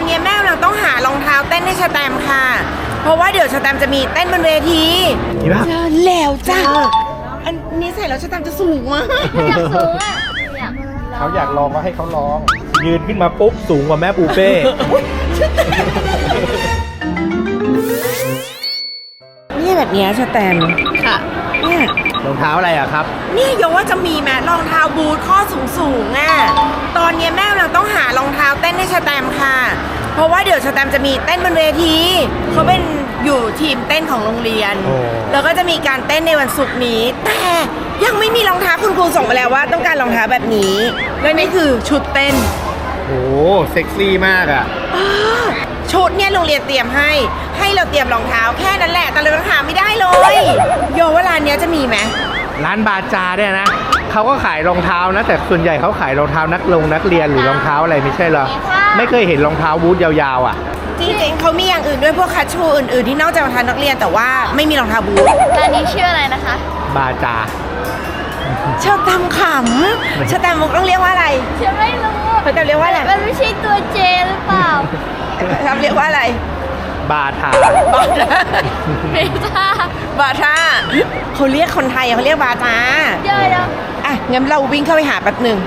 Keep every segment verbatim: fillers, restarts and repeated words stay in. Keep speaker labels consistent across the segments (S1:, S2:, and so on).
S1: อนนี้แม่เราต้องหารองเท้าเต้นให้ชแตมค่ะเพราะว่าเดี๋ยวชแตมจะมีเต้นบนเวที
S2: ดีป่ะ
S1: เจอแล้วจ้าอันนี้ใส่แล้วชแตมจะสูงมาก
S3: อยากสูงอ่ะอยาก
S2: เขาอยากลองก็ให้เขาลอง ยืนขึ้นมาปุ๊บสูงกว่าแม่ปูเป้
S1: นี่แบบนี้ชแตมค่ะเนี่ย
S2: รองเท้าอะไรอะครับ
S1: นี่โยว่าจะมีแม้รองเท้าบูทข้อสูงสูงๆอ่ะตอนนี้แม่เราต้องหารองเท้าเต้นให้ชแตมค่ะเพราะว่าเดี๋ยวชแตมจะมีเต้นบนเวทีเขาเป็นอยู่ทีมเต้นของโรงเรียน
S2: โอ้
S1: แล้วก็จะมีการเต้นในวันศุกร์นี้ แต่ยังไม่มีรองเท้าคุณครูส่งมาแล้วว่าต้องการรองเท้าแบบนี้และนี่คือชุดเต้น
S2: โหเซ็กซี่มากอะ
S1: อ้าวชุดเนี่ยโรงเรียนเตรียมให้ ให้เราเตรียมรองเท้าแค่นั้นแหละแต่เราหาไม่ได้เลยโยว่าร้านเนี้ยจะมีไหม
S2: ร้านบาจาเนี่ยนะเขาก็ขายรองเท้านะแต่ส่วนใหญ่เขาขายรองเท้านักลงนักเรียนหรือรองเท้าอะไรไม่ใช่เหรอไม่เคยเห็นรองเท้าบูทยาวๆอ่ะ
S1: จริงๆเขามีอย่างอื่นด้วยพวกคัชชูอื่นๆที่นอกจากรองเท้านักเรียนแต่ว่าไม่มีรองเท้าบูท
S3: ร้านนี้ชื่ออะไรนะคะ
S2: บาจา
S1: เชอร์แตมขำเชอร์แตมมุกต้องเรียกว่าอะไร
S3: ฉันไม่รู้
S1: เชอร์แตมเรียกว่าอะไร
S3: มันไม่ใช่ตัวเจหรือเปล่า
S1: ทำเรียกว่าอะไร
S2: บาทา
S1: บาทา
S3: เมตา
S1: บาทาเขาเรียกคนไทยเขาเรียกบาทา
S3: เดี๋ยวเดี๋ยว
S1: อ่ะงั้นเราวิ่งเข้าไปหาแป๊บหนึ่ง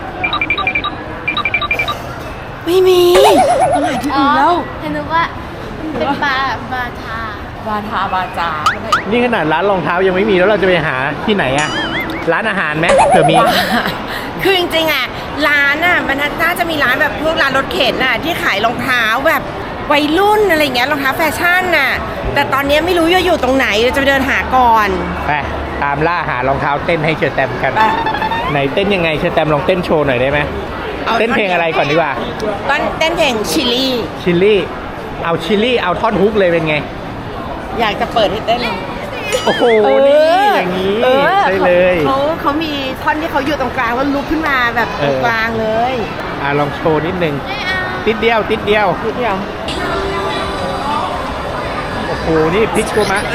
S1: ไม่มีต้องหาที่
S3: อ๋อ
S1: อื่นแล้ว
S3: เห็นนึกว่ามันเป็นบาบาทา
S1: บาทาบาจา
S2: นี่ขนาดร้านรองเท้ายังไม่มีแล้วเราจะไปหาที่ไหนอะร้านอาหารไหมเผื่อมี
S1: คือจริงๆอ่ะร้านอ่ะมันน่าจะมีร้านแบบพวกร้านรถเข็นน่ะที่ขายรองเท้าแบบวัยรุ่นอะไรเงี้ยรองเท้าแฟชั่นน่ะแต่ตอนนี้ไม่รู้จะอยู่ตรงไหนเราจะไปเดินหาก่อน
S2: ไปตามล่าหารองเท้าเต้นให้เชอร์แตมกัน
S1: ไป
S2: ไหนเต้นยังไงเชอร์แตมลองเต้นโชว์หน่อยได้ไหมเต้นเพลงอะไรก่อนดีกว่า
S1: ต้นเต้นเพลงชิลลี่
S2: ชิลลี่เอาชิลลี่เอาท่อนฮุกเลยเป็นไง
S1: อยากจะเปิดให้เต้นเลย
S2: โอ้โห
S1: เอ
S2: นี่
S1: อ
S2: อย่างนี้
S1: ออ
S2: ได้เลย
S1: เขาเขามีท่อนที่เขาอยู่ตรงกลางแล้วลุกขึ้นมาแบบตรงกลางเลย
S2: อ่ะลองโชว์นิดนึง
S3: ไม่เอา
S2: ติดเดียวติดเดียว
S1: นิดเดียว
S2: โอ้โหนี่พลิกตัวมา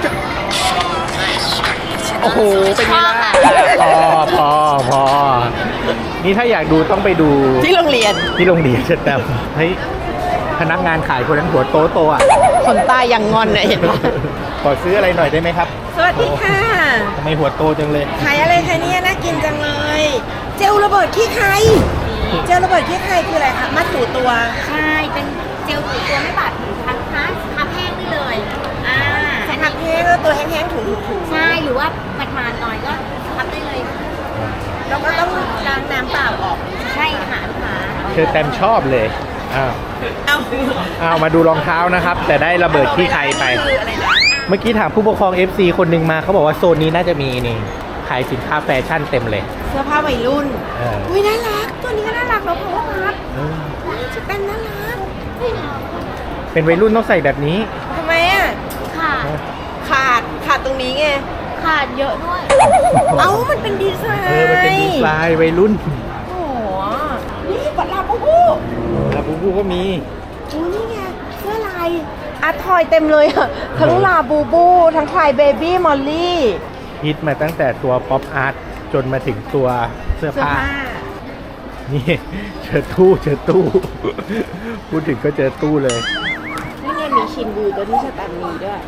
S2: โอ้โหเป็นไงล่ะพอพอพอนี่ถ้าอยากดูต้องไปดู
S1: ที่โรงเรียน
S2: ที่โรงเรียนเชอร์แตมเฮ้ยพนักงานขายคนนั้นหัวโตโตอ่ะ
S1: คนตายยังงอนน่ะเห็นปะ
S2: ขอซื้ออะไรหน่อยได้ไหมครับ
S1: สวัสดีค่ะ
S2: ทำไมหัวโตจังเลย
S1: ขายอะไรคะเนี่ยน่ากินจังเลย เจลระเบิดขี้ใครเจลระเบิดขี้ใครคืออะไรคะมัดถูตัว
S3: ใช่เป็นเจลถูตัวไม่บาดผิวพันท้าทับแห้งได้เลยอ่า
S1: สักพักแห้งก็ตัวแห้งๆถูถู
S3: ใช่หรือว่ามันมาหน่อยก็ทับได้เลย
S1: เราก็ต้องล้างน้ำเปล่าออก
S3: ใช่ค่ะลูกค้า
S2: เชอร์แตมชอบเลยอ้าว
S1: เอา
S2: เอามาดูรองเท้านะครับ แต่ได้ระเบิดที่ใครไป
S1: คืออะไรนะ
S2: เมื่อกี้ถามผู้ปกครอง เอฟ ซี คนหนึ่งมาเขาบอกว่าโซนนี้น่าจะมีนี่ขายสินค้าแฟชั่นเต็มเลย
S1: เสื้อผ้าวัยรุ่น
S2: เออ
S1: อุ้ยน่ารักตัวนี้ก็น่ารักเราเพราะว่ารัก
S2: เออ
S1: ชุดเต้นน่ารัก
S2: เป็นวัยรุ่นต้องใส่แบบนี้
S1: ทำไมอ่ะ
S3: ค่ะ
S1: ขาดขาดตรงนี้ไง
S3: ขาดเยอะด้วย
S1: เอ้ามันเป็นดีไซน์
S2: เออมันเป็นดีไซน์วัยรุ่น
S1: โอ้โหนี่ปัดลาบูบู
S2: ลาบูบูก็มี
S1: โอ้นี่ไงเสื้อลายอาร์ทอยเต็มเลยอะทั้งลาบูบู ทั้งคลายเบบี้มอลลี่
S2: ฮิตมาตั้งแต่ตัวป๊อปอาร์ตจนมาถึงตัวเสื้อ
S1: เสื้อ
S2: ผ้า
S1: ผ้า
S2: นี่เจอตู้เจอตู้ พูดถึงก็เจอตู้เลย
S1: นี่ไงมีชินบูตัวที่สแตมมีด้วย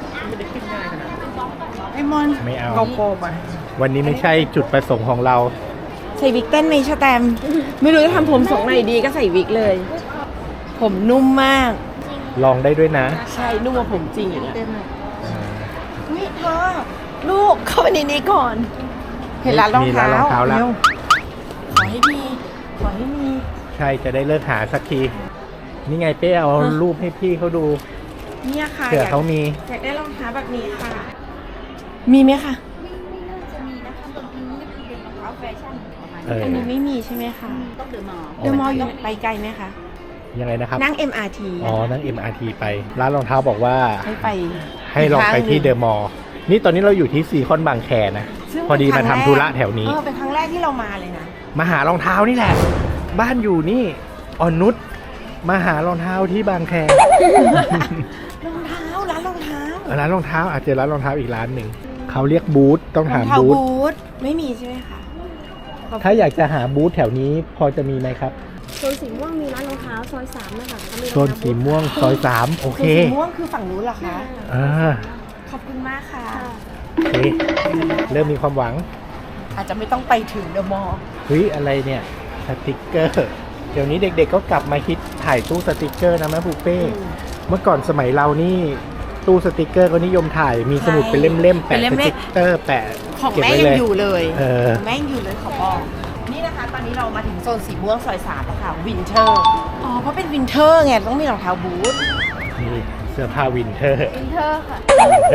S1: ไอมอน
S2: ไม่เอา
S1: เอาโกไป
S2: วันนี้ไม่ใช่จุดประสงค์ของเรา
S1: ใส่วิกเต้นไหมสแตมไม่รู้จะทำผมทรงไหนดีก็ใส่วิกเลย ผมนุ่มมาก
S2: ลองได้ด้วยนะ
S1: ใช่นุ่มกว่าผมจริงอย่างเงี้ยนี่เธอลูกเข้าไปในนี้ก่อน เห็นร้านรอง
S2: มี
S1: เท้า
S2: ร้านรองเท้าแล้ว
S1: ร็ขอให้มีขอให้มี
S2: ใช่จะได้เลิกหาสักที นี่ไงเป้เอารูปให้พี่เขาดู
S1: เนี่ยค่ะ
S2: เผื่อเขามี
S1: อยากได้รองเท้าแบบนี้ค่ะ มีไหมคะ
S3: จะมีนะคะตรงนี้เป็นรองเท้าแฟชั่นประมาณ
S2: เออ
S1: อันนี้ไม่มีใช่ไหมคะ
S3: ต้องเดือดมอ
S1: เดอะมอลล์อยู่ไปไกลไหมคะ
S2: ยังไงนะครับ
S1: นั่ง เอ็ม อาร์ ที
S2: อ๋อ นั่ง เอ็ม อาร์ ที ไป ร้านรองเท้าบอกว่า
S1: ให้ไป
S2: ให้ลองไปที่เดอะมอลล์นี่ตอนนี้เราอยู่ที่ซีคอนบางแคนะ
S1: ซึ่ง
S2: พอดี
S1: เป็น
S2: มา
S1: ครั้
S2: ทำ
S1: ง
S2: ธุ
S1: แก
S2: ระแถวนี้
S1: เออเป็นครั้งแรกที่เรามาเลยนะ
S2: มาหารองเท้านี่แหละ บ้านอยู่นี่อ่อนนุชมาหารองเท้าที่บางแค
S1: รองเท้าร้านรองเท้า
S2: ร้านรองเท้าอาจจะร้านรองเท้าอีกร้านหนึ่ง เขาเรียกบูธต้อง
S1: รอ
S2: ถาง ม
S1: เท้า
S2: บูธ
S1: บูทไม่มีใช่ไหมคะ
S2: ถ้าอยากจะหาบูธแถวนี้พอจะมีไหมครับ
S4: โซนสีม่วงมีร้านรองเท้าซอยสามนะคะเขามี
S2: โซนสีม่วงซอยสามโอเค
S1: สีม่วงคือฝั่งนู้นเหรอคะ
S2: อ่า
S1: ขอบคุณมากค่ะ
S2: โอเค เริ่มมีความหวัง
S1: อาจจะไม่ต้องไปถึงเดอะมอลล์
S2: เฮ้ย อะไรเนี่ย สติกเกอร์ เดี๋ยวนี้เด็กๆก็กลับมาฮิตถ่ายตู้สติกเกอร์นะแม่ปูเป้ เมื่อก่อนสมัยเรานี่ตู้สติกเกอร์ก็นิยมถ่าย มีสมุดเป็นเล่มๆ แปะสติกเกอร์แปะ
S1: ของ
S2: เก็บ
S1: แม่
S2: ไว้
S1: ยั
S2: เล
S1: ง
S2: ย
S1: อยู่เลย
S2: เออ
S1: แม่ยังอยู่เลยขอบอกนี่นะคะ ตอนนี้เรามาถึงโซนสีม่วงซอยสามแล้วค่ะวินเทอร์อ๋อเพราะเป็นวินเทอร์ไงต้องมีรองเท้าบูท
S2: นี่เสื้อผ้าวินเทอร์
S4: วินเทอร์ค่ะ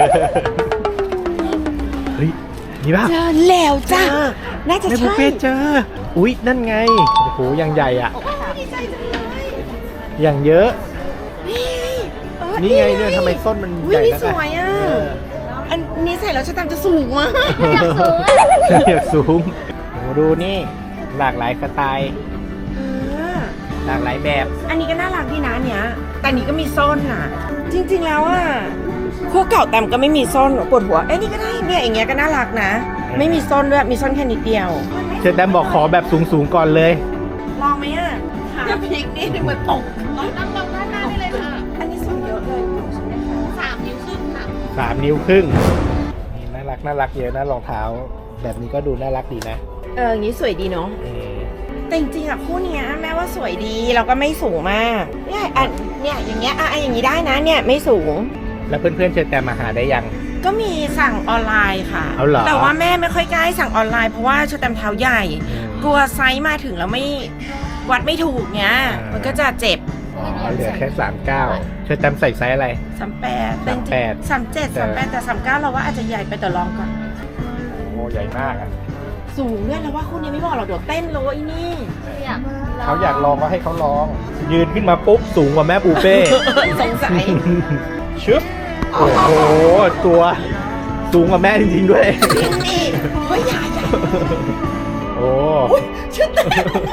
S2: เฮ้ย นี่ป่ะ
S1: เจอแล้วจ้าน่าจะ
S2: แม่ปู
S1: ใช่
S2: เป้เจอ อุ๊ย นั่นไง โอ้โหยังใหญ่อ่ะ
S1: ดีใจจังเลย
S2: อย่างเยอะ
S1: นี่เออ
S2: นี่ไงเนี่ยทำไมส้นมัน
S1: อุ๊
S2: ใหญ่
S1: นี่
S2: นัก
S1: สวยอ่ะ
S2: เออ
S1: อันนี้ใส่แล้วชะตามจะสูงมาก
S2: อยากสูงโอ้ดูนี่ หลากหลายสไตล์
S1: เออ
S2: หลากหลายแบบ
S1: อันนี้ก็น่ารักดีนะอันเนี้ยแต่อันนี้ก็มีส้นอ่ะ จริงๆแล้วอ่ะคู่เก่าแต้มก็ไม่มีส้นปวดหัวเอ้ยนี่ก็ได้เนี่ยอย่างเงี้ยก็น่ารักนะ ไม่มีส้นด้วยมีส้นแค่นิดเดียว
S2: เชอแตมบอกขอแบบสูงๆก่อนเลย
S1: ลองไหมอ่ะขาพลิกนี่เหมือนตก
S3: นั่งตรงด้านหน้าได้เลยค่ะ
S1: อันนี้ส้นเยอะเลยใช่ไหมคะ
S3: สามนิ้วครึ่งค่ะ
S2: สามนิ้วครึ่งนี่น่ารักน่ารักเยอะนะรองเท้า แบบนี้ก็ดูน่ารักดีนะ
S1: เอออย่างนี้สวยดีเนาะ
S2: เออ
S1: แต่จริงๆอะคู่เนี้ยแม้ว่าสวยดีเราก็ไม่สูงมากเนี่ยอันเนี่ยอย่างเงี้ยอ่ะอ่ะอย่างนี้ได้นะเนี่ยไม่สูง
S2: แล้วเพื่อนๆเชอแตมมาหาได้ยัง
S1: ก็มีสั่งออนไลน์ค่ะ
S2: เอาเหรอ
S1: แต่ว่าแม่ไม่ค่อยกล้าให้สั่งออนไลน์เพราะว่าชะแตมเท้าใหญ่ กลัวไซส์มาถึงแล้วไม่วัดไม่ถูกเนี้ย มันก็จะเจ็บ
S2: อ๋อเหลือแค่สามเก้าเชอแตมใส่ไซส์อะไร
S1: สามแปด
S2: สามแปด
S1: สามเจ็ดสามแปดแต่สามเก้าเราว่าอาจจะใหญ่ไปแต่ลองก่อน
S2: โอ้ใหญ่มากอ่ะ
S1: สูงด้วยแล้วว่าคู่นี้ไม่บอกหรอกเดี๋ยวเต้นเลยไอ้นี่
S3: อยาก
S2: เขาอยากลองก็ให้เขาลอง ยืนขึ้นมาปุ๊บสูงกว่าแม่ปูเป้
S1: สงสัย
S2: ชึบโอ้โห ตัวสูงกว่าแม่จริงๆด้วย
S1: นี่เฮ้ยใหญ่ใหญ่
S2: โอ้
S1: ชุดเต็ม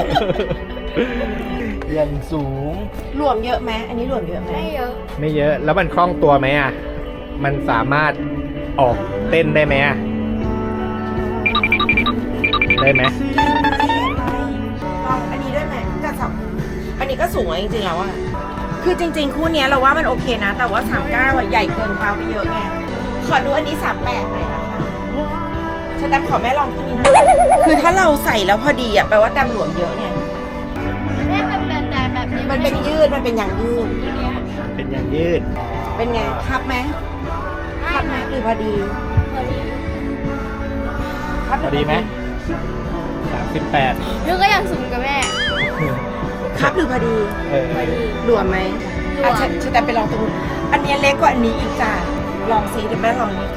S2: ยันสูง
S1: รวมเยอะไหมอันนี้รวมเยอะไหม
S3: ไม่เยอะ
S2: ไม่เยอะ แล้วมันคล่องตัวไหมอ่ะ มันสามารถออกเต้นได้ไหมอ่ะ ได้ไหม
S1: ลองอันนี้ด้วยไหมกับสามอันนี้ก็สูงอะจริงๆแล้วอะคือจริง ๆ คู่เนี้ยเราว่ามันโอเคนะ แต่ว่าสามเก้าอะใหญ่เกินเท้าไปเยอะไงขอดูอันนี้สามแปดหน่อยนะคะฉันแตมขอแม่ลองคู่นี้นะคือถ้าเราใส่แล้วพอดีอะแปลว่าแตมหลวมเยอะไง
S3: แม่เป็นแบบแต่แบบนี้
S1: มันเป็นยืดมันเป็นอย่างยืด
S2: เป็นอย่างยืด
S1: เป็นไงครับไหมครับไหมหรือพอดี
S3: พอดี
S1: ครับ
S2: พอดีไหมสามสิบแปด
S3: นึกก็ยังสูงกับแม่
S1: ครับหรือพอดี
S2: เออ
S1: หลวมไหม
S3: หลวม
S1: อ่ะฉันฉันแต่ไปลองตรงนู้นอันเนี้ยเล็กกว่าอันนี้อีกจ้ะลองซิเดี๋ยวแม่ลองนี้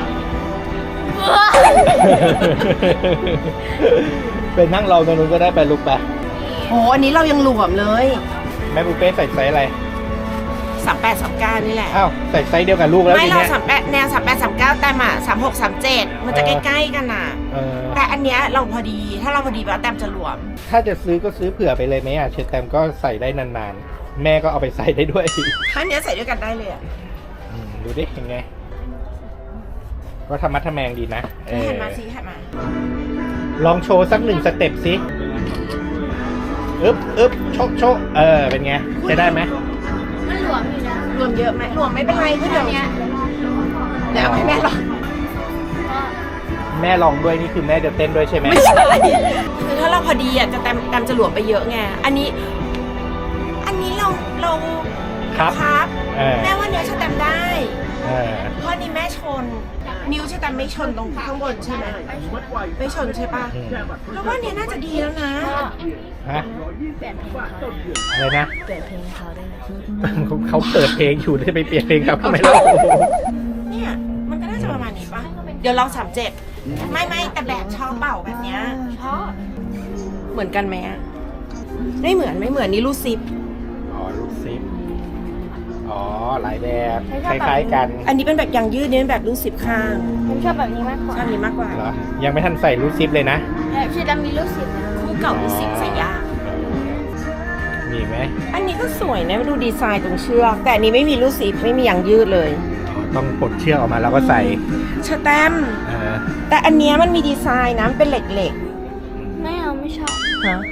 S2: เป็นนั่งรอตรงนู้นก็ได้ไปลุกไป
S1: โหอันนี้เรายังหลวมเลย
S2: แม่ปูเป้ใส่ไซส์อะไร
S1: สามแปดสามเก้านี่แหละ
S2: อ้าว ใส่ไซส์เดียวกับลูกแล้ว
S1: ไม่
S2: ที
S1: เรา
S2: เนี้ย
S1: สามแปดแนวสามแปดสามเก้าแต่มาสามหกสามเจ็ดมันจะ
S2: เอ
S1: ใก
S2: อ
S1: ล้ๆกันน่ะ
S2: เออ
S1: แต่อันเนี้ยเราพอดีถ้าเราพอดีแล้วแต้มจะหลวม
S2: ถ้าจะซื้อก็ซื้อเผื่อไปเลยไหมอ่ะเชอแตมก็ใส่ได้นานๆ แม่ก็เอาไปใส่ได้ด้วย
S1: ถ้าเนี้ยใส่ด้วยกันได้เลยอะ
S2: อืมดูดิยังไง ก็ธรรมะทแมงดีนะเออ
S1: หันมาสิหันมา
S2: ลองโชว์สักหนึ่งสเต็ปสิอึ๊บอึ๊บโชะโชะเออ เป็นไง จะได้ไหม
S3: มันหลวมอยู่นะ
S1: รวมเยอะไหมรวมไม่เป็นไรก็เดี๋ยว
S3: เนี้ย
S1: เดี๋ยวเอาให้แม่ลอง
S2: แม่ลองด้วยนี่คือแม่จะเต้นด้วยใช่ไหม
S1: ไม่ใช่คือถ้าเราพอดีอ่ะจะแต้มแต้มจะหลวมไปเยอะไงอันนี้ อันนี้เราเรา
S2: ครับ
S1: ครับ
S2: เออ
S1: แม่ว่าเนี้ยจะแต้มได้
S2: เออ
S1: เพราะนี่แม่ชน นิ้วจะแต้มไม่ชนตรงข้างบนใช่ไหมไม่ชนใช่ปะ
S2: อืม
S1: แล้วว่าเนี้ยน่าจะดีแล้วนะ
S2: ฮะ
S3: เปลี่ยนเพลงเขา
S2: อะไรนะ
S3: เปลี่ยนเพลงเขาได้ไหม
S2: เขาเขาเปิดเพลงอยู่ได้ไปเปลี่ยนเพลงครับทำไมเล่า
S1: เนี่ยมันก็น่าจะประมาณนี้ปะเดี๋ยวลองสามเจ็ดไม่ไม่แต่แบบชอบเป่าแบบเนี้ย
S3: เพราะ
S1: เหมือนกันไหมอะไม่เหมือนไม่เหมือนนี่รูดซิป
S2: อ๋อลูกซิปอ๋อ หลายแบบ คล้ายๆกัน
S1: อันนี้เป็นแบบยางยืดนี่เป็นแบบรูดซิปข้าง
S3: ผมชอบแบบนี้มากกว่า
S1: ชอบนี้มากกว่า
S2: เหรอ ยังไม่ทันใส่ลูกซิปเลยนะ
S3: แบบชื่อดำมีลูกศิษย์
S1: คู่เก่ารูดซิปใส่ยาก
S2: มีไหม
S1: อันนี้ก็สวยนะดูดีไซน์ตรงเชือกแต่อันนี้ไม่มีรูดซิปไม่มียางยืดเลย
S2: ต้องปลดเชือกออกมาแล้วก็ใส่
S1: ชะแตม
S2: เออ
S1: แต่อันเนี้ยมันมีดีไซน์นะมันเป็นเหล็ก
S3: ไม่เอาไม่ชอบ
S1: ๆฮะ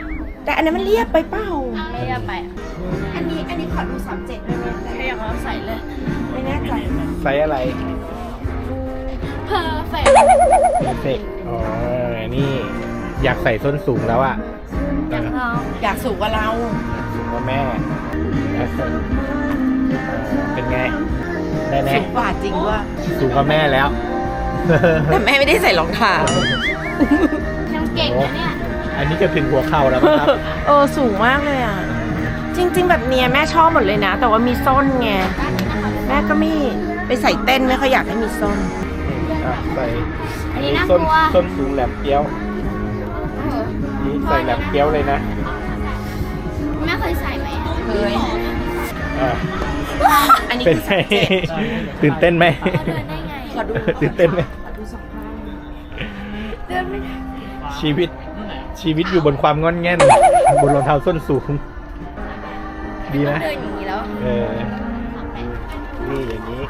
S1: แต่อันนั้นมันเรียบไปเปล่า
S3: ไม่ได้ไป
S1: อันนี้อันนี้ขอดูสามเจ็ดได้ไหม
S3: ใช่เขาใส่เลย
S1: ไม่แน่ใจ
S2: ไซส์อะไร
S3: เพอร์เฟก
S2: เพอร์เฟกอ๋อ นี่อยากใส่ส้นสูงแล้วอ่ะ
S3: อยากลอง
S1: อยากสูงกว่าเรา
S2: สูงกว่าแม่เออเป็นไง ได้ไหม
S1: สูงกว่าจริงด้วย
S2: สูงกว่าแม่แล้ว
S1: แต่แม่ไม่ได้ใส่รองเท้า
S3: ยังเก่งนะเนี่ย
S2: อันนี้จะถึงหัวเข่าแล้วมั้งครับ
S1: เออสูงมากเลยอ่ะ จริง ๆ แบบเนี้ยแม่ชอบหมดเลยนะ แต่ว่ามีส้นไงแม่ก็ไม่ไปใส่เต้นไม่ค่อยอยากให้มีส้น
S2: อ่ะใส่
S3: อันนี้น่าก
S2: ส้น
S3: ลัว
S2: ส้นสูงแหลมเปี้ยว นี่ใส่แหลมเปี้ยวเลยนะ
S3: แม่เคยใส่ไหม
S1: เคย
S2: อ่ะ
S1: อันนี้
S2: เป็น
S1: คือ
S2: ไง
S1: สามเจ็ด
S2: ตื่นเต้นไหม
S3: เขาเดินได้ไง
S1: ขอดู
S2: ตื่นเต้นไหม
S1: ขอดูสองข้าง
S3: เดินไม่ได้
S2: ชีวิต ชีวิตอยู่บนความงอนแง่น บนรองเท้าส้นสูง ดีนะ
S3: เดินอย่างนี้แล้ว
S2: เออ นี่อย่างนี้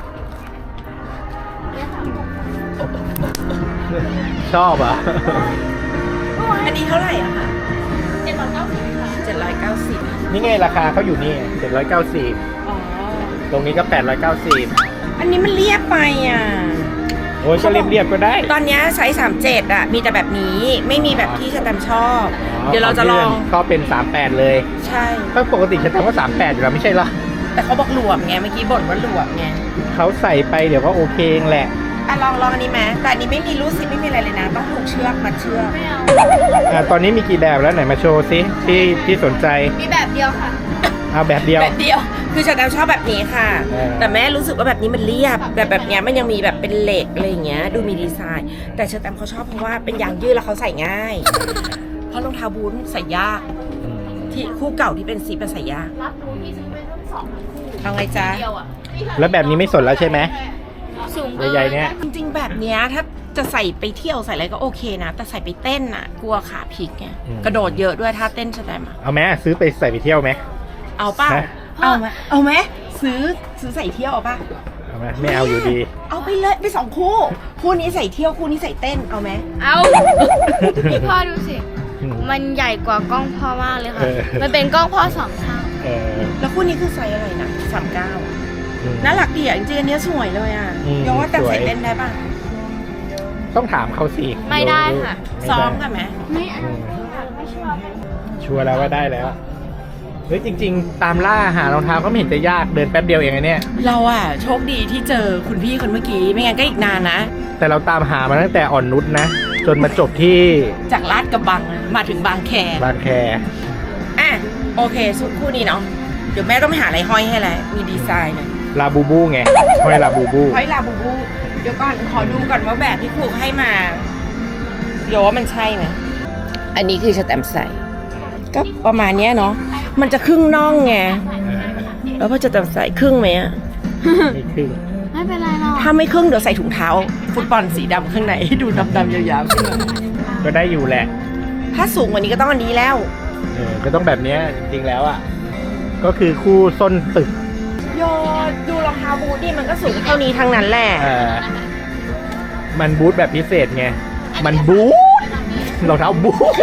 S2: ชอบอ่ะ
S1: อันนี้เท่าไหร่อะคะ
S3: เจ็ดร้อยเก้าสิบค่ะ
S1: เจ็ดร้อยเก้าสิบ
S2: นี่ไงราคาเขาอยู่นี่เจ็ดร้อยเก้าสิบ
S1: อ๋อ
S2: ตรงนี้ก็แปดร้อยเก้าสิบ
S1: อันนี้มันเรียบไปอ่ะ
S2: โอ้ยก็เรียบๆก็ได้
S1: ตอนเนี้ยไซส์สามเจ็ดอะมีแต่แบบนี้ไม่มีแบบที่ชะแตมชอบ
S2: อ๋อ
S1: เดี๋ยวเราจะลอง
S2: ก็เป็นสามแปดเลย
S1: ใช่
S2: ก็ปกติฉันทำว่าสามแปดอยู่แล้วไม่ใช่เหรอ
S1: แต่เขาบอกหลวมไงเมื่อกี้บ่นว่าหลวมไง
S2: เขาใส่ไปเดี๋ยวก็โอเคเองแหละ
S1: อ่ะลองลองอันนี้ไหมแต่อันนี้ไม่มีรูดซิปไม่มีอะไรเลยนะ ต้องผูกเชือกมัดเชือก
S3: ไม่เอา
S2: อ่ะตอนนี้มีกี่แบบแล้วไหนมาโชว์ซิที่ที่สนใจ
S3: มีแบบเดียวค่ะ
S2: เอาแบบเดียว
S1: แบบเดียว คือชาแตมชอบแบบนี้ค่ะ
S2: เออ
S1: แต่แม่รู้สึกว่าแบบนี้มันเรียบ แบบแบบเนี้ยมันยังมีแบบเป็นเหล็กอะไรอย่างเงี้ย ดูมีดีไซน์ แต่ชาแตมเขาชอบเพราะว่าเป็นยางยืดแล้วเขาใส่ง่าย เพราะรองเท้าบูทใส่ยาก
S2: อืม
S1: ที่คู่เก่าที่เป็นซีเป็นใส่ยาก
S3: รับรู้ที่ซื้อไปทั้งสองคู่
S1: เอาไงจ๊ะ
S3: เดียวอ่ะ
S2: แล้วแบบนี้ไม่สนแล้วใช่ไหม
S3: สูงเกิน
S2: ใหญ่ๆเนี่ย
S1: จริงๆแบบเนี้ยถ้าจะใส่ไปเที่ยวใส่อะไรก็โอเคนะ แต่ใส่ไปเต้นน่ะ กลัวขาพลิกไง กระโดดเยอะด้วยถ้าเต้นชาแตมอะ
S2: เอาไหมซื้อไปใส่ไปเที่ยวไหม
S1: เอาเปล่า
S2: ฮะ
S1: เอาไหมเอาไหมซื้อซื้อใส่เที่ยวเอาป่ะ
S2: เอาไหมไม่เอาอยู่ดี
S1: เอาไปเลยไปสองคู่ คู่นี้ใส่เที่ยวคู่นี้ใส่เต้นเอาไหม
S3: เอาพี่พ่อดูสิ
S2: อืม
S3: มันใหญ่กว่ากล้องพ่อมากเลยค่ะ
S2: เออ
S3: มันเป็นกล้องพ่อสองเท่า
S2: เออ
S1: แล้วคู่นี้คือไซส์อะไรนะสามเก้า
S2: อืม
S1: น่ารักดีอ่ะจริงๆอันเนี้ยสวยเลยอ่ะ
S2: อืม
S1: ยกว่าแต่
S2: สวย
S1: ใส่เต้นได้ป่ะ
S2: ต้องถามเขาสิ
S3: ไม่ได้ค่ะ
S2: ไม่
S1: ซ้อ
S2: ได้
S1: มกันไหม
S3: ไม่เอา
S2: อืม
S3: ไม่ชอบ
S2: ชัวร์แล้วว่าได้แล้วเฮ้ยจริง ๆ ตามล่าหารองเท้าก็ไม่เห็นจะยากเดินแป๊บเดียวเองไงเนี่ย
S1: เราอ่ะโชคดีที่เจอคุณพี่คนเมื่อกี้ไม่งั้นก็อีกนานนะ
S2: แต่เราตามหามาตั้งแต่อ่อนนุชนะ จนมาจบที่
S1: จากลาดกระบังมาถึงบางแค
S2: บางแค
S1: อ่ะโอเคสุดคู่นี้เนาะเดี๋ยวแม่ต้องไปหาอะไรห้อยให้แล้วมีดีไซน์หน่อย
S2: ลาบูบูไงห้อยลาบูบู
S1: ห้อยลาบูบูเดี๋ยวก่อนขอดูก่อนว่าแบบที่ครูให้มาเดี๋ยวว่ามันใช่ไหมอันนี้คือสแตมป์ใส่ก็ประมาณเนี้ยเนาะมันจะครึ่งน่องไง
S2: เออ
S1: แล้วพอจะแตมป์ใส่ครึ่งไหมอะ
S2: ไม่ครึ่ง
S3: ไม่เป็นไรหรอก
S1: ถ้าไม่ครึ่งเดี๋ยวใส่ถุงเท้า ฟุตบอลสีดำข้างในให้ดูดำๆยาวๆขึ้นมา
S2: ก็ได้อยู่แหละ
S1: ถ้าสูงกว่านี้ก็ต้องอันนี้แล้ว
S2: เออก็ต้องแบบเนี้ยจริงๆแล้วอ่ะก็คือคู่ส้นตึก
S1: โยดูรองเท้าบูทนี่มันก็สูงเท่านี้ทั้งนั้นแหละ
S2: เออมันบูทแบบพิเศษไงมันบูทรองเท้าบูท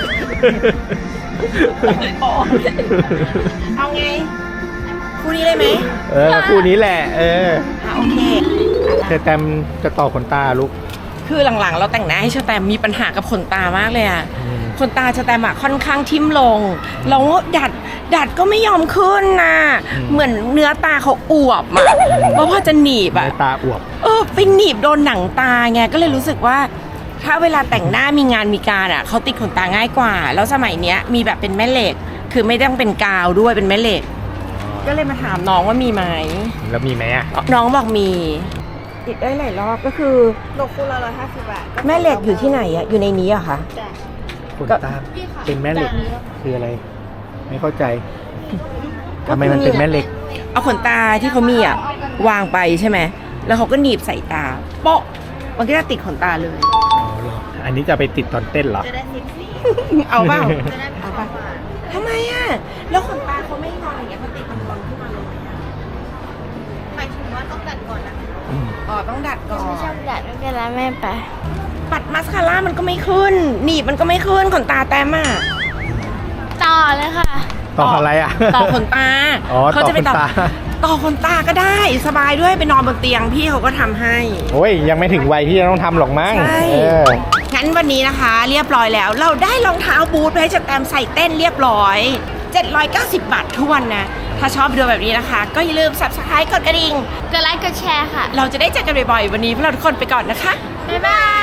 S1: เอาไงคู่นี้เลยไหม
S2: เออคู่นี้แหละ เออ
S1: อ่ะโอเค
S2: เธอแตมจะต่อขนตาลูก
S1: คือหลังๆ เราแต่งหน้าให้ชาแตมมีปัญหากับขนตามากเลยอะ
S2: อืม
S1: ขนตาชาแตมอะค่อนข้างทิ่มลงแล้วดัดดัดก็ไม่ยอมขึ้นนะเหมือนเนื้อตาเขาอวบอะเพราะพอจะหนีบอะ
S2: ในตาอวบ
S1: เออไปหนีบโดนหนังตาไงก็เลยรู้สึกว่า ถ้าเวลาแต่งหน้ามีงานมีการอะเขาติดขนตาง่ายกว่า แล้วสมัยเนี้ยมีแบบเป็นแม่เหล็ก คือไม่ต้องเป็นกาวด้วยเป็นแม่เหล็ก ก็เลยมาถามน้องว่ามีไหม
S2: แล้วมีไหมอ่ะ
S1: น้องบอกมีติดได้หลายรอบก็คือ
S4: ตกคู่ละร้อยห้าสิบบาท
S1: แม่เหล็กอยู่ที่ไหนอะอยู่ในนี้อะคะ
S2: ขนตาเป็นแม่เหล็กคืออะไร ไม่เข้าใจทำไมมันเป็นแม่เหล็ก
S1: เอาขนตาที่เขามีอะวางไปใช่ไหมแล้วเขาก็หนีบใส่ตาโป๊ะมันก็จะติดขนตาเลย
S2: อ๋อเหรออันนี้จะไปติดตอนเต้นเหรอ
S4: จะได้สิบสี่
S1: เอาเปล่า
S4: จะได้
S1: เอาเปล่าทำไมอะแล้วขนตาเขาไม่งอนอย่างเงี้ยมันติดมันงอนขึ้นมาเลยอะ
S4: หมายถึงว่าต้องตัดก่อนนะ
S2: อืม
S1: อ๋อต้องดัดก่อน
S3: ไม่ชอบดัดไม่เป็นไรแม่ไป
S1: ปัดมาสคาร่ามันก็ไม่ขึ้น หนีบมันก็ไม่ขึ้นขนตาแต้มอะ
S3: ตา
S4: เลยค่ะ
S2: ต่ออะไรอ่ะ
S1: ต่อขนตา
S2: อ๋อ
S1: เขาจะไป
S2: ต่อขนตา
S1: ต่อขนตาก็ได้สบายด้วยไปนอนบนเตียงพี่เขาก็ทำให้
S2: โอ้ยยังไม่ถึงวัยที่จะต้องทำหรอกมั้ง
S1: ใช่
S2: เออ
S1: งั้นวันนี้นะคะ เรียบร้อยแล้ว เราได้รองเท้าบูทไปให้สแตมป์ใส่เต้นเรียบร้อยเจ็ดร้อยเก้าสิบบาททวนนะ ถ้าชอบวิดีโอแบบนี้นะคะ ก็อย่าลืม ซับสไครบ์ กดกระดิ่ง
S4: กดไลค์กดแชร์ค่ะ
S1: เราจะได้เจอกันบ่อยๆ วันนี้พวกเราทุกคนไปก่อนนะคะ
S4: บ๊ายบาย